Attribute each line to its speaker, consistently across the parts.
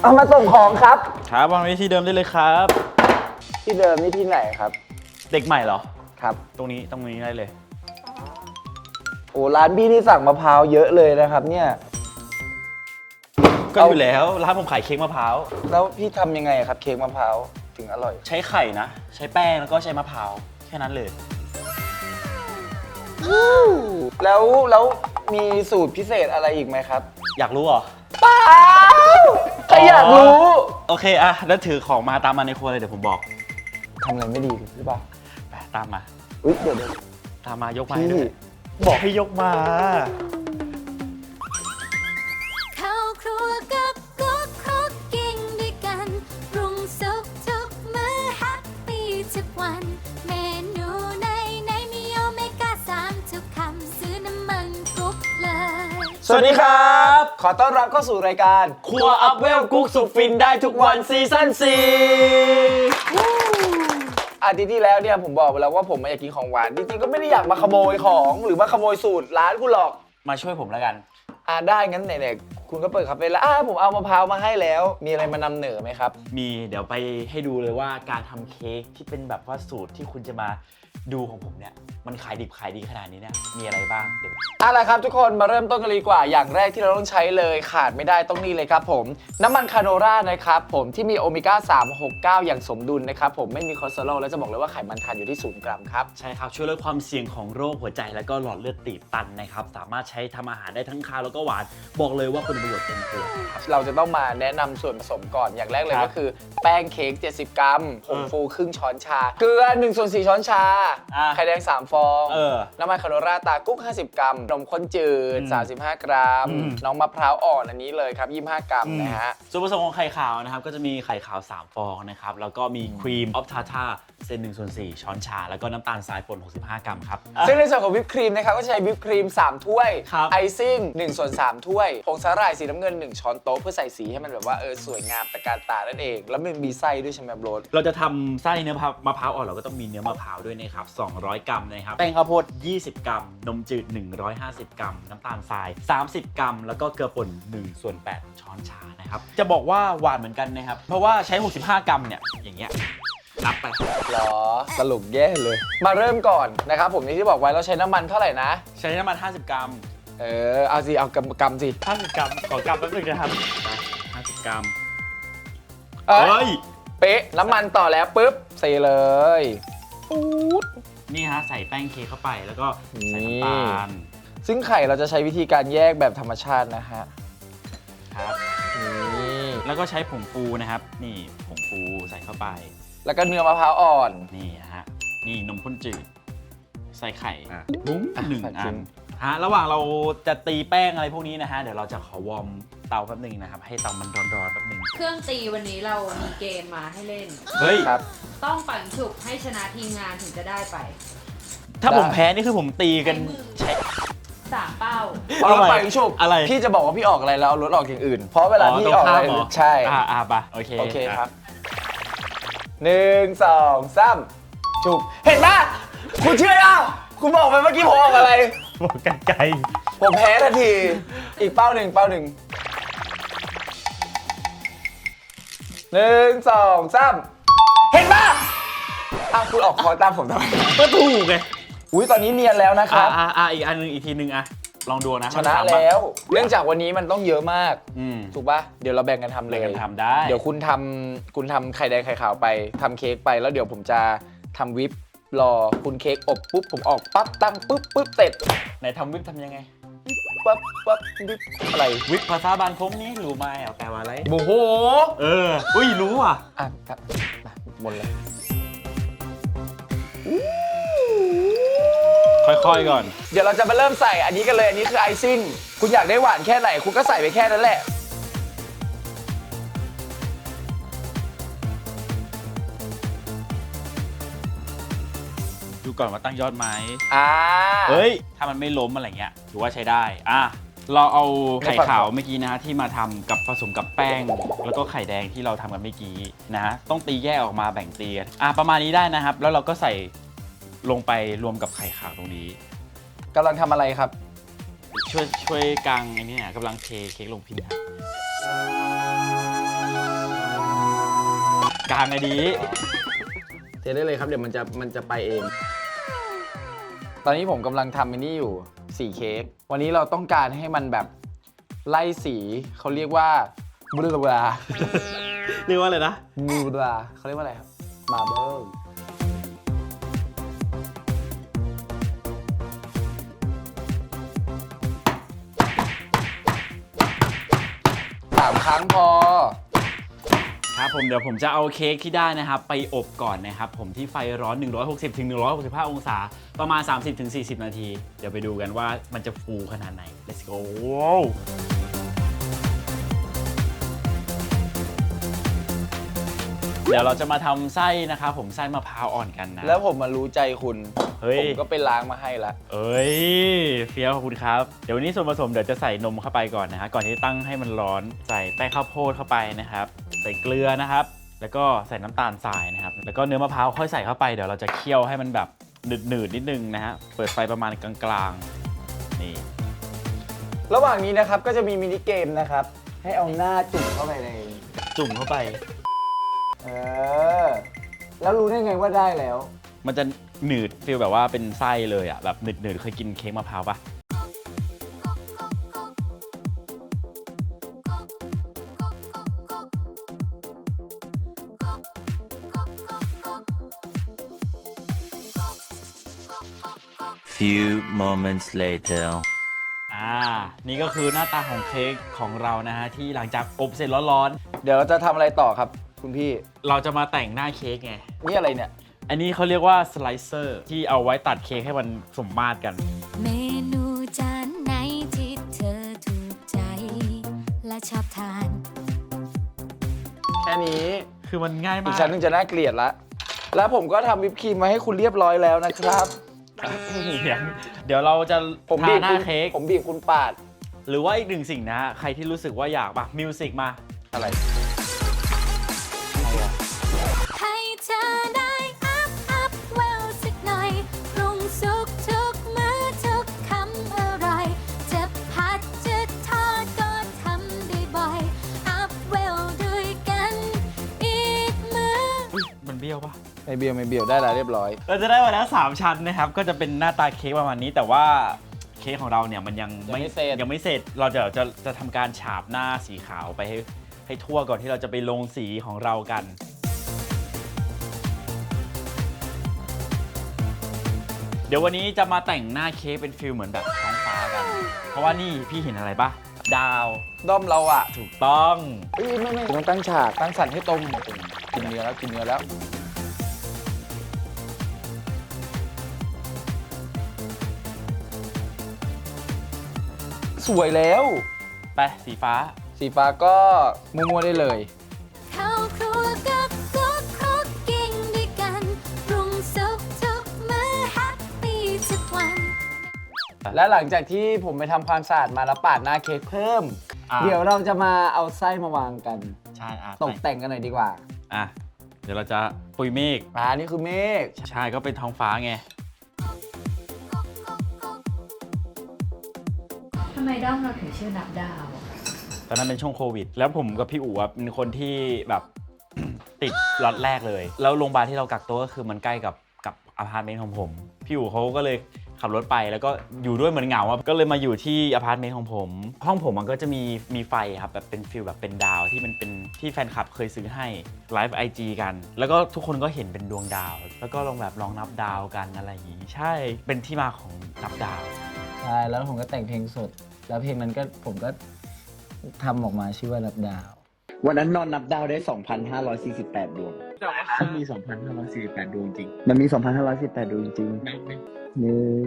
Speaker 1: เอามาส่งของครับ
Speaker 2: ครับวางไว้ที่เดิมได้เลยครับ
Speaker 1: ที่เดิมนี่ที่ไหนครับ
Speaker 2: เด็กใหม่เหรอ
Speaker 1: ครับ
Speaker 2: ตรงนี้ได้เลย
Speaker 1: โอ้ร้านพี่นี่สั่งมะพร้าวเยอะเลยนะครับเนี่ย
Speaker 2: ก็อยู่แล้วร้านผมขายเค้กมะพร้าว
Speaker 1: แล้วพี่ทำยังไงครับเค้กมะพร้าวถึงอร่อย
Speaker 2: ใช้ไข่นะ ใช้แป้งแล้วก็ใช้มะพร้าวแค่นั้นเลย
Speaker 1: แล้วมีสูตรพิเศษอะไรอีกไหมครับ
Speaker 2: อยากรู้เหรอ
Speaker 1: เปล่าใครอยากรู้
Speaker 2: โอเคอะแล้วถือของมาตามมาในครัวเลยเดี๋ยวผมบอก
Speaker 1: ทำอะไรไม่ดีหรือเปล่า
Speaker 2: ไปตามมา
Speaker 1: อุ๊ยเดี๋ยว
Speaker 2: ตามมายกมา
Speaker 1: พี่
Speaker 2: ให้ด้วยบอกให้ยกมา
Speaker 3: เข้าครัวกับกุ๊กครกกิ้งด้วยกันปรุงสุกทุกมื้อแฮปปี้ทุกวัน เมนูไหนมีโอเมก้า3ทุกคำซื้อน้ำมันกุ๊กเลย
Speaker 1: สวัสดีครับ ขอต้อนรับเข้าสู่รายการ
Speaker 2: ครัวอัพเวลกุ๊กสุดฟินได้ทุกวันซีซั่น4
Speaker 1: อาทิตย์ที่แล้วเนี่ยผมบอกไปแล้วว่าผมอยากกินของหวานจริงๆก็ไม่ได้อยากมาขโมยของหรือมาขโมยสูตรร้านคุณหรอก
Speaker 2: มาช่วยผมแล้วกัน
Speaker 1: ได้งั้นไหนๆคุณก็เปิดคาเฟ่แล้วผมเอามะพร้าวมาให้แล้ว มีอะไรมานำเหนอไหมครับ
Speaker 2: มีเดี๋ยวไปให้ดูเลยว่าการทำเค้กที่เป็นแบบว่าสูตรที่คุณจะมาดูของผมเนี่ยมันขายดิบขายดีขนาดนี้เนี่ยมีอะไรบ้างเดี๋ยว
Speaker 1: เอาล่ะครับทุกคนมาเริ่มต้นกันเลยดีกว่าอย่างแรกที่เราต้องใช้เลยขาดไม่ได้ต้องนี่เลยครับผมน้ำมันคาโนรานะครับผมที่มีโอเมก้า3 6 9อย่างสมดุลนะครับผมไม่มีคอเลสเตอรอลและจะบอกเลยว่าไขมันทานอยู่ที่0 กรัมครับ
Speaker 2: ใช่ครับช่วยลดความเสี่ยงของโรคหัวใจแล้วก็หลอดเลือดตีบตันนะครับสามารถใช้ทำอาหารได้ทั้งคาวแล้วก็หวานบอกเลยว่าคุณประโยชน์เต็มตัวครับ
Speaker 1: เราจะต้องมาแนะนำส่วนผสมก่อนอย่างแรกเลย
Speaker 2: ครับ
Speaker 1: ก็คือแป้งเค้ก70 กรัมผงฟูครึ่งช้อนชาเกลือ1/4 ช้อนชาไข่แดง3 ฟอง น้ำมันคาโนราตากุ๊ก50 กรัมนมข้นจืด35 กรัมน้องมะพร้าวอ่อนอันนี้เลยครับ25 กรัมนะฮะ
Speaker 2: ส่วนผสมของไข่ขาวนะครับก็จะมีไข่ขาว3 ฟองนะครับแล้วก็มีครีมออฟทาท่าเส้น1/4 ช้อนชาแล้วก็น้ำตาลทรายป่น65 กรัมครับ
Speaker 1: ซึ่งในส่วนของวิปครีมนะครับก็จะใช้วิปครีม3 ถ้วย
Speaker 2: ครับ
Speaker 1: ไอซิ่ง1/3 ถ้วยผงสาหร่ายสีน้ำเงิน1 ช้อนโต๊ะเพื่อใส่สีให้มันแบบว่าสวยงามตะการตานั่นเองแล้วมันมีไส้ด้วยใช่ไหมโบรส
Speaker 2: เราจะทำไส้เนื้อมะพร้าวอ่อนเราก็ต้องมีเนื้อมะพร้าวด้วยนะครับ200 กรัมนะครับแป้งข้าวโพด20 กรัมนมจืด150 กรัมน้ำตาลทราย30 กรัมแล้วก็เกลือป่น1/8 ช้อนชานะครับจะบอกว่าหวานเหมือนกันนะครับเพราะว่าใช้65 กรัมเนี่ยอย่างเงี้ยนับไป
Speaker 1: หรอสรุปแย่เลย มาเริ่มก่อนนะครับผมที่บอกไว้เราใช้น้ำมันเท่าไหร่นะ
Speaker 2: ใช้น้ำมัน50 กรัม
Speaker 1: เอาสิเอากำสิ
Speaker 2: 50 กรัมขอกรัมแป๊บนึงนะครับ50 กรัม
Speaker 1: เอ้
Speaker 2: เฮ้
Speaker 1: ย
Speaker 2: ย
Speaker 1: เป๊ะน้ำมันต่อแล้วปุ๊บใส่เลยปู๊ด
Speaker 2: นี่ฮะใส่แป้งเค้กเข้าไปแล้วก็ใส่น้ำตาล
Speaker 1: ซึ่งไข่เราจะใช้วิธีการแยกแบบธรรมชาตินะฮะ
Speaker 2: ครับ
Speaker 1: นี่
Speaker 2: แล้วก็ใช้ผงฟูนะครับนี่ผงฟูใส่เข้าไป
Speaker 1: แล้วก็เนื้อมะพร้าวอ่อน
Speaker 2: นี่ฮะนี่นมข้นจืดใส่ไข่บุ้งหนึ่ง
Speaker 1: ใส่
Speaker 2: อั
Speaker 1: จริ
Speaker 2: น
Speaker 1: ง
Speaker 2: ฮะระหว่างเราจะตีแป้งอะไรพวกนี้นะฮะเดี๋ยวเราจะขอวอร์มเตาแป๊บหนึงนะครับให้เตามันร้อนๆแป๊บหนึง
Speaker 4: เครื่องตีวันนี้เรามีเกมมาให้เล่น
Speaker 2: เฮ้ย
Speaker 1: ครับ
Speaker 4: ต้องปั่นฉุบให้ชนะทีมงานถึงจะได้ไป
Speaker 2: ถ้าผมแพ้นี่คือผมตีกันใช้
Speaker 4: 3 เป้า
Speaker 1: พอเราไปฉุบ
Speaker 2: อะไร
Speaker 1: พี่จะบอกว่าพี่ออกอะไรแล้วเอารถออกอย่างอื่น เพราะเวลาพี่ออกอะไร
Speaker 2: ตรงข้ามเหรอ
Speaker 1: ใช่
Speaker 2: ปะโอเค
Speaker 1: โอเคครับ1 2 3ฉุบเห็นปะคุณเชื่อยังคุณบอกไปเมื่อกี้ผมออกอะไร
Speaker 2: บอกกันไกล
Speaker 1: ผมแพ้ทันที อีกเป้าหนึ่ง1 2 3เห็นปะคุณออกคอตามผมทำไม
Speaker 2: ก็ถูกไง
Speaker 1: อุ้ยตอนนี้เนียนแล้วนะครับ
Speaker 2: อีกอันนึงอีกทีนึงลองดูนะ
Speaker 1: ชนะแล้ว เนื่องจากวันนี้มันต้องเยอะมาก
Speaker 2: อืม
Speaker 1: ถูกปะเดี๋ยวเราแบ่งกันทำเลย
Speaker 2: แบ่งกันทำได้
Speaker 1: เดี๋ยวคุณทำไข่แดงไข่ขาวไปทำเค้กไปแล้วเดี๋ยวผมจะทำวิปรอคุณเค้กอบปุ๊บผมออกปั๊บตั้งปุ๊บเสร็จ
Speaker 2: ไหนทำวิปทำยังไง
Speaker 1: ปั๊บวิปอะไร
Speaker 2: วิปภาษาบานพงนี่รู้ไหมแปลว่าอะไร
Speaker 1: โอ้โห
Speaker 2: อุ้ยรู้อ่ะ
Speaker 1: ครับมาหมดเลย
Speaker 2: ค่อยๆก่อน
Speaker 1: เดี๋ยวเราจะมาเริ่มใส่อันนี้กันเลยอันนี้คือไอซิ่งคุณอยากได้หวานแค่ไหนคุณก็ใส่ไปแค่นั้นแหละ
Speaker 2: ดูก่อนว่าตั้งยอดไหม
Speaker 1: เฮ้
Speaker 2: เฮ้
Speaker 1: ย
Speaker 2: ย ถ้ามันไม่ล้มอะไรเงี้ยถือว่าใช้ได้ เราเอาไข่ขาวเมื่อกี้นะฮะที่มาทำกับผสมกับแป้ง แล้วก็ไข่แดงที่เราทำกันเมื่อกี้นะฮะต้องตีแยกออกมาแบ่งตีกันประมาณนี้ได้นะครับ แล้วเราก็ใส่ลงไปรวมกับไข่ขาวตรงนี้
Speaker 1: กำลังทำอะไรครับ
Speaker 2: ช่วยกางไอ้นี่เนี่ยกำลังเทเค้กลงพิมพ์ครับกลางไอ้ดี
Speaker 1: เทได้เลยครับเดี๋ยวมันจะไปเอง ตอนนี้ผมกำลังทำอันนี้อยู่สีเค้กวันนี้เราต้องการให้มันแบบไล่สีเขาเรียกว่าบลูบลา
Speaker 2: เรียกว่าอะไรนะ
Speaker 1: บลูบลาเขาเรียกว่าอะไรครับมาเบิล3 ครั้งพอ
Speaker 2: ครับผมเดี๋ยวผมจะเอาเค้กที่ได้นะครับไปอบก่อนนะครับผมที่ไฟร้อน 160 ถึง 165 องศาประมาณ 30 ถึง 40 นาที เดี๋ยวไปดูกันว่ามันจะฟูขนาดไหน let's go เดี๋ยวเราจะมาทำไส้นะครับผมไส้มะพร้าวอ่อนกันนะ
Speaker 1: แล้วผมมารู้ใจคุณ
Speaker 2: เฮ้ย
Speaker 1: ผมก็ไปล้างมาให้ละ
Speaker 2: เอ้ยเฟี้ยวขอบคุณครับเดี๋ยววันนี้ส่วนผสมเดี๋ยวจะใส่นมเข้าไปก่อนนะฮะก่อนที่จะตั้งให้มันร้อนใส่แป้งข้าวโพดเข้าไปนะครับใส่เกลือนะครับแล้วก็ใส่น้ำตาลทรายนะครับแล้วก็เนื้อมะพร้าวค่อยใส่เข้าไปเดี๋ยวเราจะเคี่ยวให้มันแบบหนืดๆนิดนึงนะฮะเปิดไฟประมาณกลางๆนี่
Speaker 1: ระหว่างนี้นะครับก็จะมีมินิเกมนะครับให้เอาหน้าจุ่มเข้าไปใน
Speaker 2: จุ่มเข้าไป
Speaker 1: แล้วรู้ได้ไงว่าได้แล้ว
Speaker 2: มันจะหนืดฟีลแบบว่าเป็นไส้เลยอ่ะแบบหนืดๆเคยกินเค้กมะพร้าวปะ
Speaker 5: Few moments later.
Speaker 2: นี่ก็คือหน้าตาของเค้กของเรานะฮะที่หลังจากอบเสร็จร้อน
Speaker 1: เดี๋ยวเราจะทำอะไรต่อครับคุณพี่
Speaker 2: ๆเราจะมาแต่งหน้าเค้กไง
Speaker 1: นี่อะไรเนี่ย
Speaker 2: อันนี้เขาเรียกว่าสไลเซอร์ที่เอาไว้ตัดเค้กให้มันสมมาตรกัน
Speaker 3: เมนูจานไหนที่เธอถูกใจ และชอบทาน
Speaker 1: แค่นี้
Speaker 2: คือมันง่าย
Speaker 1: อี
Speaker 2: มาก ก
Speaker 1: ชั้นหนึงจะน่าเกลียดละ แล้วผมก็ทำวิปครีมมาให้คุณเรียบร้อยแล้วนะครับ
Speaker 2: เดี๋ยวเราจะ
Speaker 1: ผม
Speaker 2: ทา
Speaker 1: บีบ
Speaker 2: หน้า
Speaker 1: คุณ
Speaker 2: เค้ก
Speaker 1: ผมบีบคุณปาด
Speaker 2: หรือว่าอีกหนึ่งสิ่งนะฮะใครที่รู้สึกว่าอยากปะมิวสิกมา
Speaker 1: อะไร
Speaker 3: ให้เธอได้อัพเวลสักหน่อยปรุงสุกทุกมื้อทุกคำอร่อยจะผัดจะทอดก็ทำได้บ่อยอัพเวลด้วยกันอีกมื้อ
Speaker 2: อุ๊ยมันเบี้ยวปะ
Speaker 1: ไม่เบียวได้แล้วเรียบร้อย
Speaker 2: เราจะได้มาแล้ว3ชั้นนะครับก็จะเป็นหน้าตาเค้กประมาณนี้แต่ว่าเค้กของเราเนี่ยมันยังไม่เสร็จเราจะทำการฉาบหน้าสีขาวไปให้ทั่วก่อนที่เราจะไปลงสีของเรากัน เดี๋ยววันนี้จะมาแต่งหน้าเค้กเป็นฟิลเหมือนแบบท้องฟ้ากัน เพราะว่านี่พี่เห็นอะไรปะดาว
Speaker 1: ด้อมเราอ่ะ
Speaker 2: ถูกต้อง
Speaker 1: ไม่ต้องตั้งฉากตั้งสันให้ตรงกินเนื้อแล้ว สวยแล้ว
Speaker 2: ไปสีฟ้า
Speaker 1: สีฟ้าก็มั่วๆได้เลย
Speaker 3: เข้าครัวกับกุ๊กคุกกิ้งด้วยกันปรุงสุกทุกมื้อแฮปปี้ทุกวัน
Speaker 1: และหลังจากที่ผมไปทำความสะอาดมาแล้วปาดหน้าเค้กเพิ่ม เดี๋ยวเราจะมาเอาไส้มาวางกัน
Speaker 2: ใช่อ่ะ
Speaker 1: ตกแต่งกันหน่อยดีกว่า
Speaker 2: อ่ะเดี๋ยวเราจะปุยเมฆ
Speaker 1: นี่คือเมฆ
Speaker 2: ใช่ก็เป็นท้องฟ้าไง
Speaker 4: ทำไมด้อมเราถึงชื่อนับดาว
Speaker 2: ตอนนั้นเป็นช่วงโควิด แล้วผมกับพี่อู๋อะเป็นคนที่แบบ ติดล็อตแรกเลย แล้วโรงพยาบาลที่เรากักตัวก็คือมันใกล้กับอพาร์ตเมนต์ของผม พี่อู๋เขาก็เลยขับรถไปแล้วก็อยู่ด้วยเหมือนเหงาอะก็เลยมาอยู่ที่อพาร์ตเมนต์ของผม ห้องผมมันก็จะมีไฟครับแบบเป็นฟิลแบบเป็นดาวที่มันเป็นที่แฟนคลับเคยซื้อให้ไลฟ์ IG กัน แล้วก็ทุกคนก็เห็นเป็นดวงดาว แล้วก็ลองนับดาวกันอะไรอย่างงี้ใช่เป็นที่มาของนับดาว
Speaker 1: ใช่แล้วผมก็แต่งเพลงสด แล้วเพลงนั้นก็ผมก็ทำออกมาชื่อว่านับดาว วันนั้นนอนนับดาวได้ 2,548 ดวงมันมี 2,548 ดวงจริง มันมี 2,548 ดวงจริง1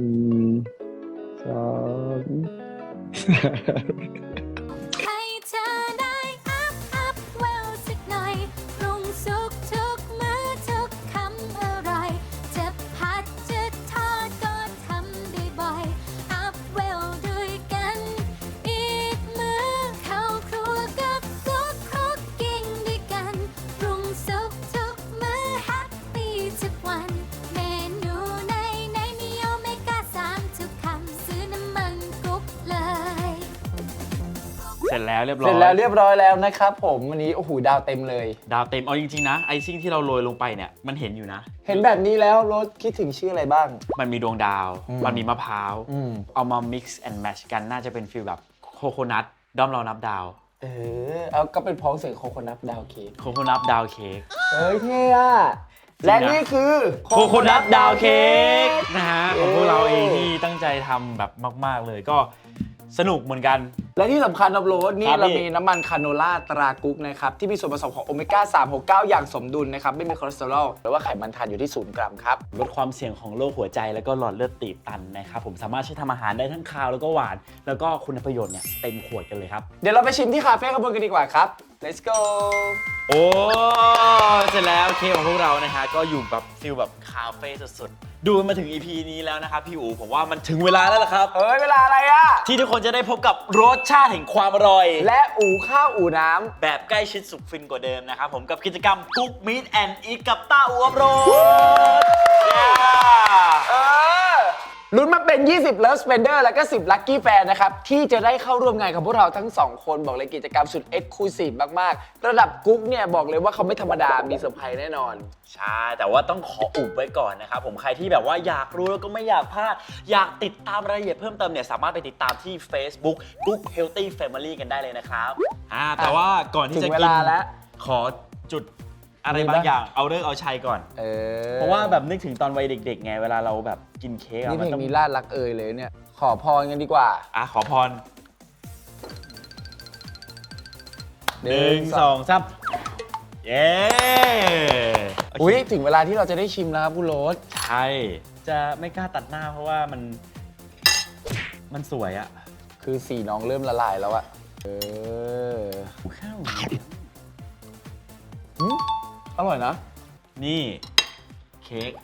Speaker 1: 2
Speaker 3: ให้เธอได้อัพเวลสักหน่อยปรุงสุกทุกมื้อทุกคำอร่อยจะผัดจะทอดก็ทำได้บ่อยอัพเวลด้วยกันอีกมื้อเข้าครัวกับกุ๊กคุกกิ้งด้วยกันปรุงสุกทุกมื้อแฮปปี้ทุกวันเมนูไหนมีโอเมก้า3ทุกคำซื้อน้ำมันกุ๊กเลย
Speaker 2: เสร็จแล้วเรียบร้อย
Speaker 1: เสร็จแล้วเรียบร้อยแล้วนะครับผมวันนี้โอ้โหดาวเต็มเลย
Speaker 2: ดาวเต็มเอาจริงๆนะไอซิ่งที่เราโรยลงไปเนี่ยมันเห็นอยู่นะ
Speaker 1: เห็นแบบนี้แล้วรถคิดถึงชื่ออะไรบ้าง
Speaker 2: มันมีดวงดาว มันมีมะพร้าว
Speaker 1: อืม
Speaker 2: เอามา mix and match กันน่าจะเป็นฟีลแบบโคโคนัทด้อมเรานับดาว
Speaker 1: เอาก็เป็นพ้องเสียงโคโคนัทดาวเค้ก
Speaker 2: โคโคนัทดาวเค้ก
Speaker 1: เฮ้ยเท่อะและนี่คือ
Speaker 2: โคโคนัทดาวเค้กนะฮะของพวกเราเองที่ตั้งใจทำแบบมากๆเลยก็สนุกเหมือนกัน
Speaker 1: และที่สำคัญนะโรสนี่
Speaker 2: ครับ
Speaker 1: เรา
Speaker 2: พี่
Speaker 1: มีน้ำมันคาโนล่าตรากุ๊กนะครับที่มีส่วนผสมของโอเมก้า 369 อย่างสมดุลนะครับไม่มีคอเลสเตอรอลหรือว่าไขมันทานอยู่ที่0 กรัมครับ
Speaker 2: ลดความเสี่ยงของโรคหัวใจแล้วก็หลอดเลือดตีบตันนะครับผมสามารถใช้ทำอาหารได้ทั้งคาวแล้วก็หวาน แล้วก็คุณประโยชน์เนี่ยเต็มขวดกันเลยครับ
Speaker 1: เดี๋ยวเราไปชิมที่คาเฟ่ขบวนกันดีกว่าครับ let's go
Speaker 2: โอ้เสร็จแล้วเค้กของพวกเรานะฮะก็อยู่แบบฟิลแบบคาเฟ่สุดๆดูมาถึง EP นี้แล้วนะครับพี่อู๋ผมว่ามันถึงเวลาแล้วล่ะครับ
Speaker 1: เอ้ยเวลาอะไรอะ
Speaker 2: ที่ทุกคนจะได้พบกับรสชาติแห่งความอร่อย
Speaker 1: และอู่ข้าวอู่น้ำ
Speaker 2: แบบใกล้ชิดสุดฟินกว่าเดิมนะครับผมกับกิจกรรมกุ๊กมีทแอนด์อีทกับต้าอูอับโรด
Speaker 1: ลุ้นมาเป็น 20 Love Spender แล้วก็ 10 Lucky Fan นะครับ ที่จะได้เข้าร่วมงานกับพวกเราทั้ง 2 คนบอกเลยกิจกรรมสุด Exclusive มาก ๆ ระดับกุ๊กเนี่ย บอกเลยว่าเขาไม่ธรรมดา มีเซอร์ไพรส์แน่นอน
Speaker 2: ใช่ แต่ว่าต้องขออุบไว้ก่อนนะครับผมใครที่แบบว่าอยากรู้แล้วก็ไม่อยากพลาด อยากติดตามรายละเอียดเพิ่มเติมเนี่ยสามารถไปติดตามที่ Facebook Cook Healthy Family กันได้เลยนะครับแต่ว่าก่อนที่จะ
Speaker 1: ถึงเว
Speaker 2: กิน
Speaker 1: ลาแล้ว
Speaker 2: ขอจุดอะไรบางอย่างเอาเลิกเอาชัยก่อน เพราะว่าแบบนึกถึงตอนวัยเด็กๆไงเวลาเราแบบกินเค้กอะ
Speaker 1: นี่เพ
Speaker 2: มัน
Speaker 1: ลง
Speaker 2: ต้อง
Speaker 1: นี้ลาดรักเอ่ยเลยเนี่ย ขอพรกันดีกว่า
Speaker 2: ขอพร1 2 3เย้
Speaker 1: อุ้ยถึงเวลาที่เราจะได้ชิมแล้วครับคุณโรส
Speaker 2: ใช่จะไม่กล้าตัดหน้าเพราะว่ามันสวยอะ
Speaker 1: คือสีน้องเริ่มละลายแล้วอะ
Speaker 2: ข้าว
Speaker 1: อร่อยนะ
Speaker 2: นี่เค้ก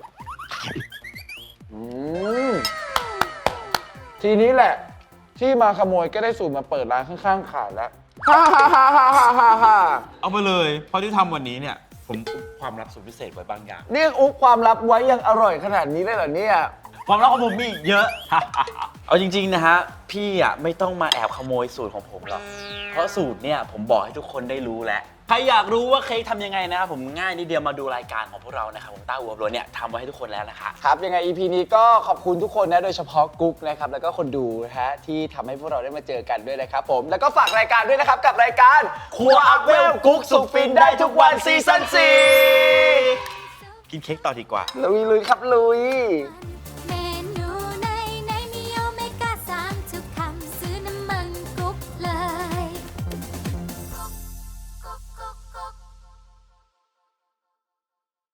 Speaker 1: ทีนี้แหละ ที่มาขโมยก็ได้สูตรมาเปิดร้านข้างๆขายแล้วฮ่าฮ่าฮ่าฮ่าฮ่าฮ่าฮ่า
Speaker 2: เอาไปเลยเพราะที่ทำวันนี้เนี่ยผมอุบความลับสุดพิเศษไว้บางอย่าง
Speaker 1: นี่อุ๊บความลับไว้ยังอร่อยขนาดนี้ได้เหรอเนี่ย
Speaker 2: ความลับของผมมีอีกเยอะ เอาจริงๆนะฮะพี่อ่ะไม่ต้องมาแอบขโมยสูตรของผมหรอกเพราะสูตรเนี่ยผมบอกให้ทุกคนได้รู้แล้วใครอยากรู้ว่าเค้กทำยังไงนะครับผมง่ายนิดเดียวมาดูรายการของพวกเรานะครับผมต้าอูอับโรดเนี่ยทำไว้ให้ทุกคนแล้วนะคะ
Speaker 1: ครับยังไง EP นี้ก็ขอบคุณทุกคนนะโดยเฉพาะกุ๊กนะครับแล้วก็คนดูนะฮะที่ทำให้พวกเราได้มาเจอกันด้วยนะครับผมแล้วก็ฝากรายการด้วยนะครับกับรายการครัวอัพเวลกุ๊กสุกฟินได้ทุกวันซีซั่น4
Speaker 2: กินเค้กต่อดีกว่า
Speaker 1: ลุยครับลุย
Speaker 3: 「